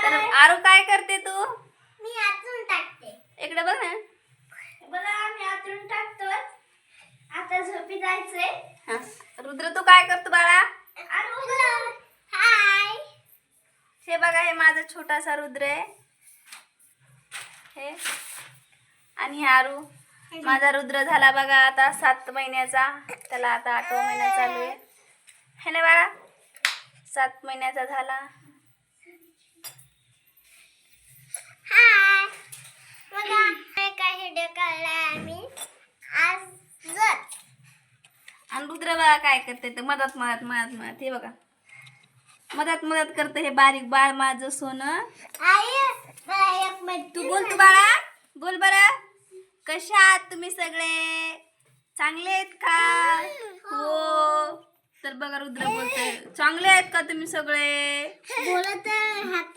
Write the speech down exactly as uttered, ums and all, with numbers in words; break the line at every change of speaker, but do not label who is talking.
तर आरू काय करते तू?
मी आतून टाकते.
इकडे बघ ना.
बघा मी आतून टाकतोय. आता झोपी जायचंय.
हा. रुद्र तू काय करतो बाळा?
हाय.
हे बघा हे माझा छोटासा रुद्र आहे. हे आणि हे आरू. माझा रुद्र झाला बघा आता सात महिन्याचा. त्याला आता आठवा महिना चालू आहे. है ना बाळा? सात महिन्याचा झाला.
हाय. बघा काय व्हिडिओ काढलाय आम्ही आजच.
आणि रुद्र बघा काय करते ते मदत मदत मदत मदत हे बघा मदत मदत करते हे बारीक बाळ माझं सोनं.
आई मला एक मिनिट
तू बोल तू बाळा बोल बरं. कशा आहात तुम्ही सगळे? चांगले आहेत का? हो. तर बघा रुद्र बोलतोय चांगले आहेत का तुम्ही सगळे?
बोलत हात